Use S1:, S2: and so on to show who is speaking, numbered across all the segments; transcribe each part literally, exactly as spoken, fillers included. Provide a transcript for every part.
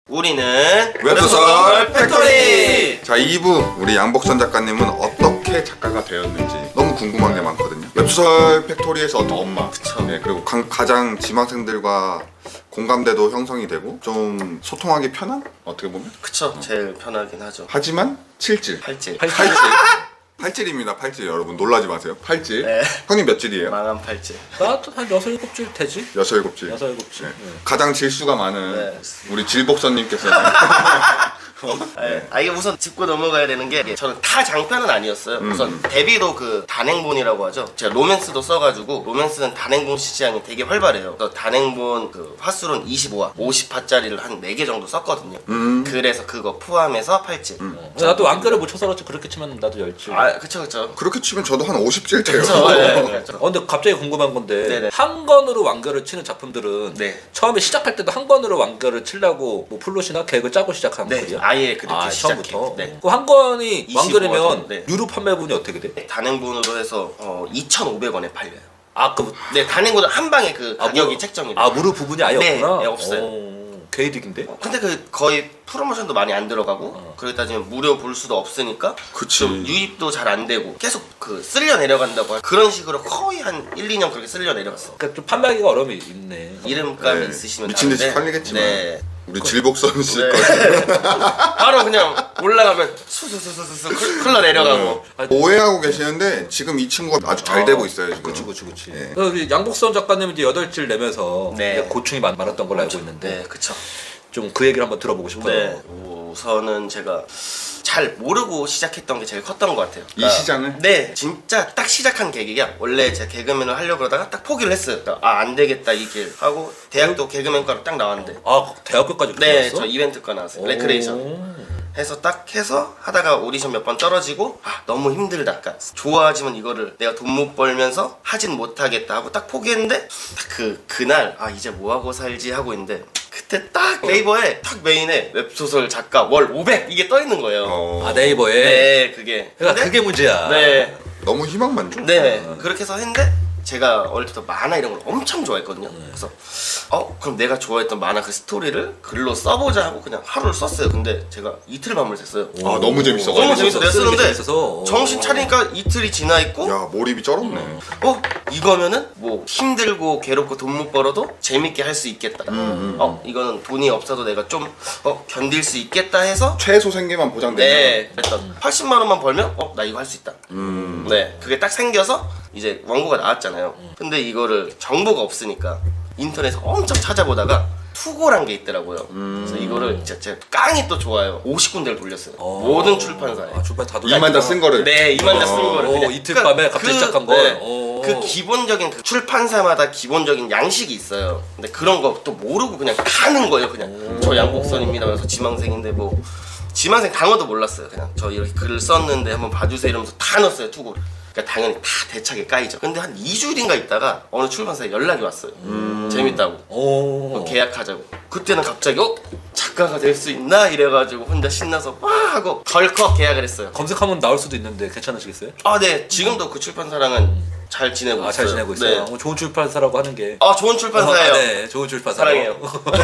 S1: 우리는
S2: 웹소설 팩토리! 자, 이 부 우리 양복선 작가님은 어떻게 작가가 되었는지 너무 궁금한 게 많거든요. 웹소설 팩토리에서 어떤 엄마,
S1: 그쵸.
S2: 네, 그리고 가, 가장 지망생들과 공감대도 형성이 되고 좀 소통하기 편한? 어떻게 보면?
S1: 그쵸. 제일 편하긴 하죠.
S2: 하지만 칠질
S1: 팔질.
S2: 팔질 팔질입니다. 팔질 여러분 놀라지 마세요. 팔질.
S1: 네.
S2: 형님 몇 질이에요?
S1: 망한 팔질.
S3: 나도 한 여섯 일곱 줄 되지?
S2: 여섯 일곱 질.
S3: 여섯 일곱 줄.
S2: 네.
S3: 네.
S2: 가장 질수가 많은
S1: 네.
S2: 우리 질복선님께서는
S1: 네. 아 이게 우선 짚고 넘어가야 되는 게 이게 저는 다 장편은 아니었어요.
S2: 음.
S1: 우선 데뷔도 그 단행본이라고 하죠. 제가 로맨스도 써가지고 로맨스는 단행본 시장이 되게 활발해요. 그래서 단행본 그 화수는 이십오 화, 오십 화짜리를 한 네 개 정도 썼거든요.
S2: 음.
S1: 그래서 그거 포함해서 팔질.
S3: 나도 완결을 못 쳐서그렇지 그렇게 치면 나도 열 줄.
S1: 아 그쵸 그쵸.
S2: 그렇게 치면 저도 한 오십 질 돼요.
S1: 그쵸. 네, 네.
S3: 어, 근데 갑자기 궁금한 건데
S1: 네네.
S3: 한 권으로 완결을 치는 작품들은
S1: 네.
S3: 처음에 시작할 때도 한 권으로 완결을 치려고 뭐 플롯이나 계획을 짜고 시작한
S1: 네.
S3: 거죠?
S1: 아예 그렇게
S3: 아,
S1: 시작해요.
S3: 처음부터?
S1: 네.
S3: 그 한 권이
S1: 이십오 화
S3: 완결이면
S1: 정도, 네.
S3: 유료 판매분이 어떻게 돼?
S1: 단행본으로 해서 어, 이천오백 원에 팔려요.
S3: 아, 그
S1: 네, 단행본은 한 방에 그
S3: 아,
S1: 가격이
S3: 무료-
S1: 책정이 돼요.
S3: 아, 무료 부분이 아예
S1: 네,
S3: 없구나?
S1: 네, 없어요.
S3: 오, 개이득인데?
S1: 근데 그 거의 프로모션도 많이 안 들어가고
S3: 어.
S1: 그러고 따지면 무료 볼 수도 없으니까
S2: 그치.
S1: 좀 유입도 잘 안 되고 계속 그 쓸려 내려간다고 그런 식으로 거의 한 일, 이 년 그렇게 쓸려 내려갔어.
S3: 그러니까 좀 판매하기가 어려움이 있네.
S1: 이름값이
S2: 네,
S1: 있으시면
S2: 미친 듯이
S1: 다른데,
S2: 팔리겠지만
S1: 네.
S2: 우리 질복선 씨
S1: 네.
S2: 거
S1: 바로 그냥 올라가면 수수수수수 흘러 내려가고
S2: 오해하고 계시는데 지금 이 친구가 아주 잘 되고 있어요 지금.
S3: 그치 그치 그치.
S1: 네.
S3: 그래서 우리 양복선 작가님은 이제 여덟 줄 내면서
S1: 네.
S3: 이제 고충이 많, 많았던 걸로 알고 있는데
S1: 네, 그쵸.
S3: 좀 그 얘기를 한번 들어보고 싶어요.
S1: 네, 우선은 제가 잘 모르고 시작했던 게 제일 컸던 것 같아요.
S2: 이 시장을?
S1: 네, 진짜 딱 시작한 계기가 원래 제가 개그맨을 하려고 그러다가 딱 포기를 했어요. 아, 안 되겠다 이 길 하고 대학도 개그맨과로 딱 나왔는데
S3: 아 대학교까지
S1: 네,
S3: 갔어?
S1: 저 이벤트과 나왔어요. 레크레이션. 해서 딱 해서 하다가 오디션 몇 번 떨어지고 아 너무 힘들다. 그러니까 좋아하지만 이거를 내가 돈 못 벌면서 하진 못하겠다 하고 딱 포기했는데 딱 그 그날 아 이제 뭐 하고 살지 하고 있는데 그때 딱 네이버에 딱 메인에 웹소설 작가 월 오백 이게 떠 있는 거예요.
S2: 어,
S3: 아 네이버에.
S1: 네, 그게.
S3: 그러니까
S1: 근데-
S3: 그게 문제야.
S1: 네,
S2: 너무 희망만 줘.
S1: 네 그렇게 해서 했는데 제가 어릴 때부터 만화 이런 걸 엄청 좋아했거든요. 그래서 어 그럼 내가 좋아했던 만화 그 스토리를 글로 써보자 하고 그냥 하루를 썼어요. 근데 제가 이틀 밤을 샜어요.
S2: 아 너무 재밌어.
S1: 너무 재밌어. 내가
S3: 쓰는 게
S1: 쓰는데
S3: 재밌어서.
S1: 정신 차리니까 이틀이 지나 있고
S2: 야 몰입이 쩔었네.
S1: 어 이거면은 뭐 힘들고 괴롭고 돈 못 벌어도 재밌게 할 수 있겠다. 어 이거는 돈이 없어도 내가 좀 어 견딜 수 있겠다 해서
S2: 최소 생계만 보장되면.
S1: 네 그랬던 팔십만 원만 벌면 어 나 이거 할 수 있다.
S2: 음.
S1: 네 그게 딱 생겨서 이제 원고가 나왔잖아요. 근데 이거를 정보가 없으니까 인터넷에서 엄청 찾아보다가 투고란 게 있더라고요. 그래서 이거를 진짜 제가 깡이 또 좋아요. 오십 군데를 돌렸어요.
S3: 어.
S1: 모든 출판사에.
S3: 아 출판 다
S2: 이만 다 쓴 거를.
S1: 네, 이만자 쓴
S2: 어.
S1: 거를.
S3: 오,
S1: 그냥.
S3: 이틀 밤에 갑자기 시작한 거?
S1: 네,
S3: 오.
S1: 그 기본적인 그 출판사마다 기본적인 양식이 있어요. 근데 그런 거 또 모르고 그냥 가는 거예요. 그냥 저 양복선입니다. 그래서 지망생인데 뭐 지망생 단어도 몰랐어요. 그냥 저 이렇게 글을 썼는데 한번 봐주세요 이러면서 다 넣었어요 투고를. 그러니까 당연히 다 대차게 까이죠. 근데 한 이 주일인가 있다가 어느 출판사에 연락이 왔어요. 재밌다고.
S3: 오.
S1: 계약하자고. 그때는 갑자기 어? 작가가 될 수 있나? 이래가지고 혼자 신나서 와 하고 덜컥 계약을 했어요.
S3: 검색하면 나올 수도 있는데 괜찮으시겠어요?
S1: 아 네 지금도 그 출판사랑은 잘 지내고
S3: 아
S1: 있어요.
S3: 잘 지내고 있어요.
S1: 네.
S3: 어, 좋은 출판사라고 하는 게.
S1: 아 좋은 출판사예요.
S3: 아, 네, 좋은 출판사.
S1: 사랑해요.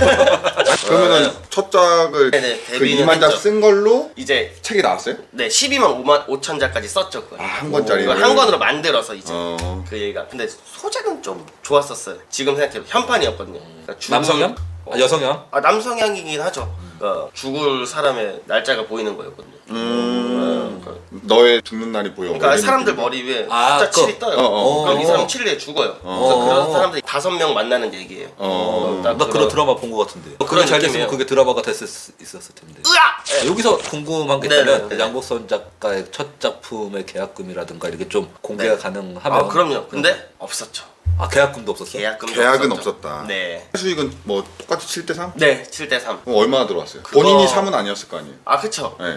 S2: 그러면은 첫 작을
S1: 네네,
S2: 그
S1: 데뷔는
S2: 이만 자
S1: 했죠.
S2: 쓴 걸로
S1: 이제
S2: 책이 나왔어요?
S1: 네 십이만 오천 자까지 썼죠. 그거.
S2: 아, 한 권짜리.
S1: 그거 한 권으로 만들어서 이제
S2: 어.
S1: 그 얘기가. 근데 소재는 좀 좋았었어요. 지금 생각해도 현판이었거든요. 그러니까 죽을-
S3: 남성향? 아, 여성향?
S1: 아 남성향이긴 하죠. 그러니까 죽을 사람의 날짜가 보이는 거였거든요.
S2: 음.
S1: 어,
S2: 너의 죽는 날이 보여.
S1: 그러니까 사람들 머리 위에
S3: 아,
S1: 숫자
S3: 그거.
S1: 칠이 떠요.
S2: 어, 어.
S1: 그럼 이
S3: 어.
S1: 사람 칠 일에 죽어요. 그래서
S3: 어.
S1: 그런 사람들이 다섯 명 만나는 얘기예요.
S2: 어.
S1: 딱
S3: 나 그런 드라마 본 것 같은데. 그게
S1: 그런
S3: 잘 됐으면
S1: 느낌이에요.
S3: 그게 드라마가 됐을 수 있었을 텐데.
S1: 으악! 네.
S3: 여기서 궁금한 게
S1: 네네,
S3: 있다면
S1: 네네.
S3: 양복선 작가의 첫 작품의 계약금이라든가 이렇게 좀 공개가
S1: 네.
S3: 가능하면.
S1: 아 그럼요. 근데 없었죠.
S3: 아 계약금도 없었어?
S1: 계약금도
S2: 계약은
S1: 없었죠.
S2: 없었다.
S1: 네.
S2: 수익은 뭐 똑같이 칠 대 삼?
S1: 네, 칠 대 삼.
S2: 그럼 얼마나 들어왔어요?
S1: 그거-
S2: 본인이 삼은 아니었을 거 아니에요?
S1: 아 그쵸.
S2: 네.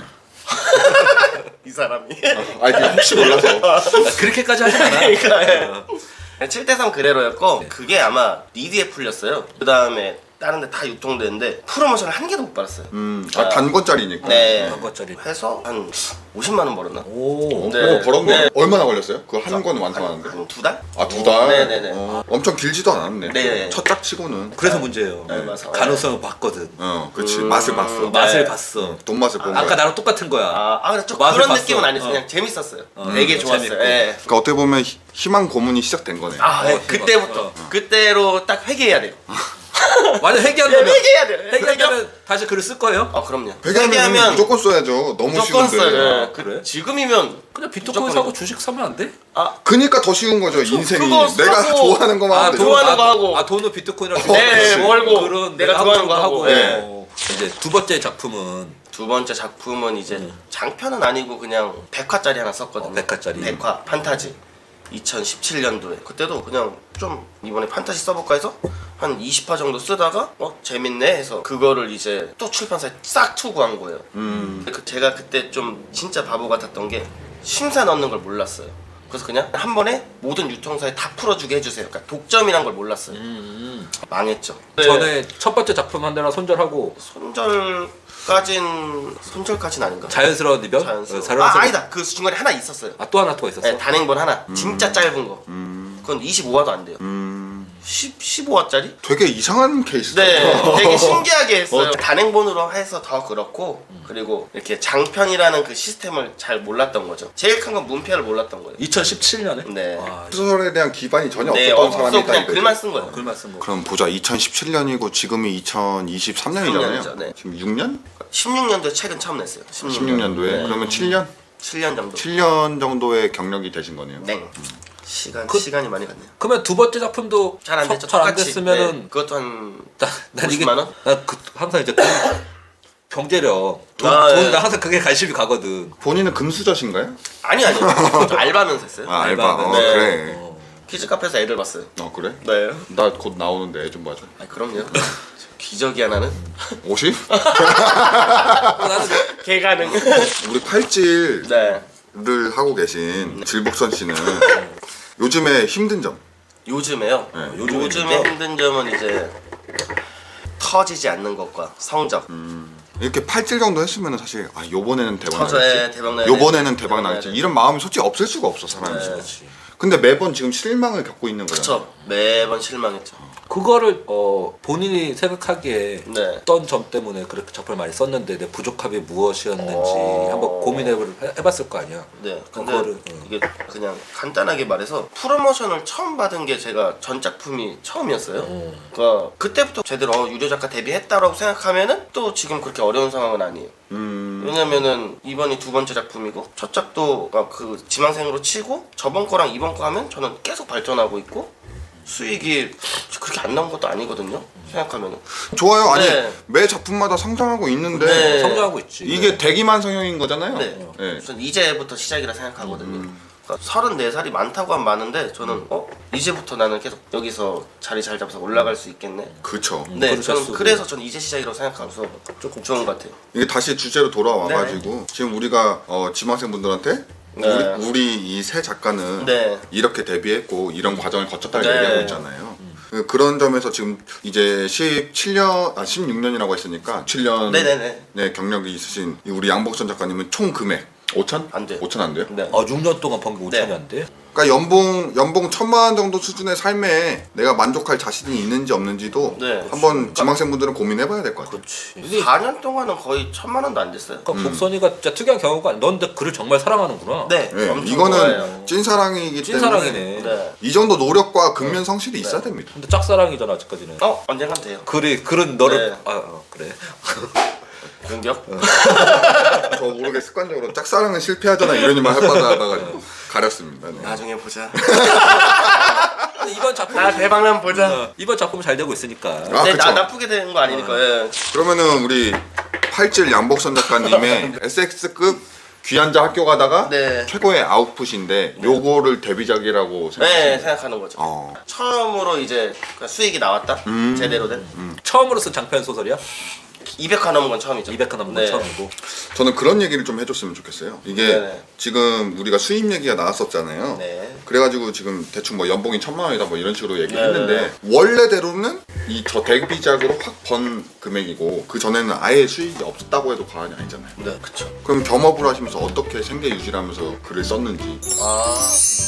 S1: 이 사람이.
S2: 아 이게 혹시 몰라서.
S3: 아, 그렇게까지 하진 않아.
S1: 그러니까 칠 대 삼 그래로였고 그게 아마 리드에 풀렸어요. 그 다음에 다른 데 다 유통되는데 프로모션을 한 개도 못 받았어요.
S2: 음, 아, 단권짜리니까.
S1: 네.
S3: 한 것짜리.
S1: 해서 한 오십만 원 벌었나?
S3: 오.
S1: 네.
S2: 그거 벌었네.
S1: 네.
S2: 얼마나 걸렸어요? 그거 한 권 완성하는데?
S1: 한 두 달?
S2: 아, 두 달?
S1: 네네네.
S2: 어, 엄청 길지도 않았네.
S1: 네.
S2: 첫 짝치고는.
S3: 그래서 문제예요.
S1: 네, 맞아.
S3: 가능성을 봤거든.
S2: 어, 그치.
S1: 음,
S2: 맛을 봤어.
S1: 네.
S3: 맛을 봤어.
S2: 돈 맛을 본
S3: 아까
S2: 거야.
S3: 나랑 똑같은 거야.
S1: 아, 아 근데 좀
S3: 맛을
S1: 그런
S3: 봤어.
S1: 느낌은 아니었어요.
S3: 어.
S1: 그냥 재밌었어요.
S3: 어,
S1: 되게
S3: 음,
S1: 좋았어요.
S3: 재밌고.
S1: 예.
S2: 그러니까 어떻게 보면 희- 희망 고문이 시작된 거네.
S1: 아, 네.
S3: 어,
S1: 그때부터.
S3: 어.
S1: 그때로 딱 회개해야 돼요.
S3: 완전
S1: 네,
S3: 회개한다면
S1: 회개해야 돼요.
S3: 회개하면 다시 글을 쓸 거예요?
S1: 아, 그럼요.
S2: 회계하면 무조건 써야죠. 너무
S1: 무조건
S2: 쉬운데.
S1: 써요.
S3: 아,
S1: 그,
S3: 그래?
S1: 지금이면
S3: 그냥 비트코인
S1: 무조건
S3: 사고
S1: 이거.
S3: 주식 사면 안 돼?
S1: 아,
S2: 그니까 더 쉬운 거죠. 인생이.
S1: 그거
S2: 내가
S1: 사고-
S2: 좋아하는 것만 하면 되죠.
S1: 좋아하는
S3: 아,
S1: 거 하고.
S3: 아 돈은 비트코인이라고
S2: 어,
S1: 네,
S2: 그치.
S1: 벌고
S3: 그런
S1: 내가
S3: 하고
S1: 좋아하는
S3: 싶은
S1: 거 하고.
S3: 네.
S1: 네.
S3: 어. 이제 두 번째 작품은
S1: 두 번째 작품은 이제 장편은 아니고 그냥 백화짜리 하나 썼거든요.
S3: 어, 백화짜리.
S1: 백화 판타지. 이천십칠 년도에 그때도 그냥 좀 이번에 판타지 써볼까 해서 한 이십 화 정도 쓰다가 어 재밌네 해서 그거를 이제 또 출판사에 싹 투구한 거예요.
S2: 음.
S1: 그 제가 그때 좀 진짜 바보 같았던 게 심사 넣는 걸 몰랐어요. 그래서 그냥 한 번에 모든 유통사에 다 풀어주게 해주세요. 그러니까 독점이란 걸 몰랐어요.
S3: 음,
S1: 망했죠.
S3: 전에 첫 번째 작품 한 대나 손절하고
S1: 손절까진 손절까진 아닌가?
S3: 자연스러운 이별?
S1: 자연스러워.
S3: 어, 자연스러운-
S1: 아 아니다. 그 중간에 하나 있었어요.
S3: 아, 또 하나 더 있었어?
S1: 네, 단행본 하나. 진짜 짧은 거.
S2: 음.
S1: 그건 이십오 화도 안 돼요.
S2: 음.
S1: 십, 십오 화짜리?
S2: 되게 이상한 케이스다.
S1: 네, 되게 신기하게 했어요. 단행본으로 해서 더 그렇고, 그리고 이렇게 장편이라는 그 시스템을 잘 몰랐던 거죠. 제일 큰 건 문패를 몰랐던 거예요.
S3: 이천십칠 년에?
S1: 네.
S3: 와,
S2: 소설에 대한 기반이 전혀
S1: 네,
S2: 없었던
S1: 없어
S2: 사람이다.
S1: 그냥
S2: 이거죠.
S1: 글만 쓴 거예요.
S3: 글만 쓴 거.
S2: 그럼 보자. 이천십칠 년이고 지금이 이천이십삼 년이잖아요.
S1: 삼 년이죠, 네.
S2: 지금 육 년?
S1: 십육 년도에 책은 처음 냈어요.
S2: 십육 년도에.
S1: 네.
S2: 그러면 칠 년?
S1: 칠 년 정도.
S2: 칠 년 정도의 경력이 되신 거네요.
S1: 네. 시간
S3: 그-
S1: 시간이 많이 갔네요.
S3: 그러면 두 번째 작품도
S1: 잘 안 됐죠.
S3: 잘안
S1: 똑같이.
S3: 됐으면은
S1: 네, 그것도 한
S3: 나, 난 이게
S1: 오십만 원?
S3: 나그 항상 이제 그 경제력 돈,
S1: 아,
S3: 돈,
S1: 예.
S3: 나 항상 그게 관심이 가거든.
S2: 본인은 금수저신가요?
S1: 아니 아니요. 저 알바하면서 했어요.
S2: 아, 알바.
S3: 알바.
S2: 어,
S1: 네.
S2: 그래.
S3: 어.
S1: 키즈 카페에서 애들 봤어요.
S2: 어, 그래?
S1: 네.
S2: 나 곧 나오는데 애 좀 봐줘.
S1: 아 그럼요. 기적이야 나는.
S2: 오십?
S3: 어, 나는
S1: 개가능.
S2: 우리 팔찌를
S1: 네.
S2: 하고 계신 질복선 씨는 요즘에 힘든 점.
S1: 요즘에요.
S2: 네,
S3: 요즘에
S1: 요즘에
S3: 힘든
S1: 힘든 점은 이제 터지지 않는 것과 성적.
S2: 이렇게 팔찌 정도 했으면 사실 아 요번에는 대박
S1: 터져야
S2: 나겠지.
S1: 대박 나야
S2: 요번에는
S1: 돼.
S2: 대박
S1: 나야
S2: 나겠지.
S1: 돼.
S2: 이런 마음이 솔직히 없을 수가 없어 사람이.
S1: 네.
S3: 그렇지.
S2: 근데 매번 지금 실망을 겪고 있는 거야.
S1: 그쵸. 매번 실망했죠.
S3: 그거를 어 본인이 생각하기에
S1: 네.
S3: 어떤 점 때문에 그렇게 작품을 많이 썼는데 내 부족함이 무엇이었는지
S1: 어.
S3: 한번 고민해 해봤을 거 아니야.
S1: 네. 근데
S3: 그거를, 어.
S1: 이게 그냥 간단하게 말해서 프로모션을 처음 받은 게 제가 전 작품이 처음이었어요.
S3: 음.
S1: 그러니까 그때부터 제대로 어, 유료 작가 데뷔했다라고 생각하면은 또 지금 그렇게 어려운 상황은 아니에요.
S2: 음.
S1: 왜냐면은 이번이 두 번째 작품이고 첫 작도 아, 그 지망생으로 치고 저번 거랑 이번 거 하면 저는 계속 발전하고 있고 수익이 그렇게 안 나온 것도 아니거든요. 생각하면은.
S2: 좋아요. 아니
S1: 네.
S2: 매 작품마다 성장하고 있는데
S1: 네.
S3: 성장하고 있지.
S2: 이게 대기만 성형인 거잖아요.
S1: 네.
S2: 네.
S1: 전 이제부터 시작이라 생각하거든요. 그러니까 서른네 살이 많다고 하면 많은데 저는 어 이제부터 나는 계속 여기서 자리 잘 잡아서 올라갈 수 있겠네.
S2: 그렇죠.
S1: 네,
S3: 그러셨어도.
S1: 저는 그래서 저는 이제 시작이라고 생각하면서 조금 좋은 것 같아요.
S2: 이게 다시 주제로 돌아와가지고 지금 우리가 어, 지망생분들한테
S1: 네.
S2: 우리, 우리 이 새 작가는
S1: 네.
S2: 이렇게 데뷔했고 이런 과정을 거쳤다고
S1: 네.
S2: 얘기하고 있잖아요. 그- 그런 점에서 지금 이제 십칠 년, 아 십육 년이라고 했으니까 칠 년
S1: 네네네.
S2: 네, 경력이 있으신 이 우리 양복선 작가님은 총 금액 오천?
S1: 안 돼요.
S2: 오천 안 돼요?
S1: 네.
S3: 아 육 년 동안 번개 오천이
S1: 네.
S3: 안 돼?
S2: 그러니까 연봉 연봉 천만 원 정도 수준의 삶에 내가 만족할 자신이 있는지 없는지도
S1: 네.
S2: 한번 지망생분들은 고민해봐야 될 것 같아요.
S3: 이게
S1: 사 년 동안은 거의 천만 원도 안 됐어요.
S3: 그러니까 복선이가 진짜 특이한 경우가 아니야. 넌 근데 글을 정말 사랑하는구나.
S1: 네,
S2: 네,
S1: 엄청
S2: 이거는
S1: 좋아해요.
S2: 찐사랑이기 때문에
S3: 찐사랑이네.
S1: 네.
S2: 이 정도 노력과 근면 성실이 있어야 됩니다.
S3: 근데 짝사랑이잖아 아직까지는.
S1: 어 언젠간 돼요.
S3: 글이 글은 너를
S1: 네.
S3: 아 어, 그래.
S1: 공격?
S2: 저 모르게 습관적으로 짝사랑은 실패하잖아 이런 일만 해봐서 하다가 가렸습니다. 네.
S1: 나중에 보자.
S3: 근데 이번 작품
S1: 나 대박난 보자.
S3: 어, 이번 작품 잘 되고 있으니까.
S2: 아,
S1: 네,
S2: 그쵸.
S1: 나 나쁘게 되는 거 아니니까. 예.
S2: 그러면은 우리 팔질 양복선 작가님의 에스엑스급 귀한자 학교 가다가
S1: 네.
S2: 최고의 아웃풋인데 요거를 데뷔작이라고
S1: 네,
S2: 생각하시나요?
S1: 생각하는 거죠.
S2: 어.
S1: 처음으로 이제 그 수익이 나왔다.
S2: 음.
S1: 제대로 된.
S3: 처음으로 쓴 장편 소설이야?
S1: 이백 화 넘은 건 처음이죠.
S3: 이백 화 넘은 건
S1: 네.
S3: 처음이고.
S2: 저는 그런 얘기를 좀 해줬으면 좋겠어요. 이게
S1: 네네.
S2: 지금 우리가 수입 얘기가 나왔었잖아요.
S1: 네.
S2: 그래가지고 지금 대충 뭐 연봉이 천만 원이다 뭐 이런 식으로
S1: 네네.
S2: 얘기했는데 원래대로는 이 저 데뷔작으로 확 번 금액이고 그 전에는 아예 수익이 없었다고 해도 과언이 아니잖아요.
S1: 네, 그쵸.
S2: 그럼 겸업을 하시면서 어떻게 생계 유지를 하면서 글을 썼는지.
S1: 아,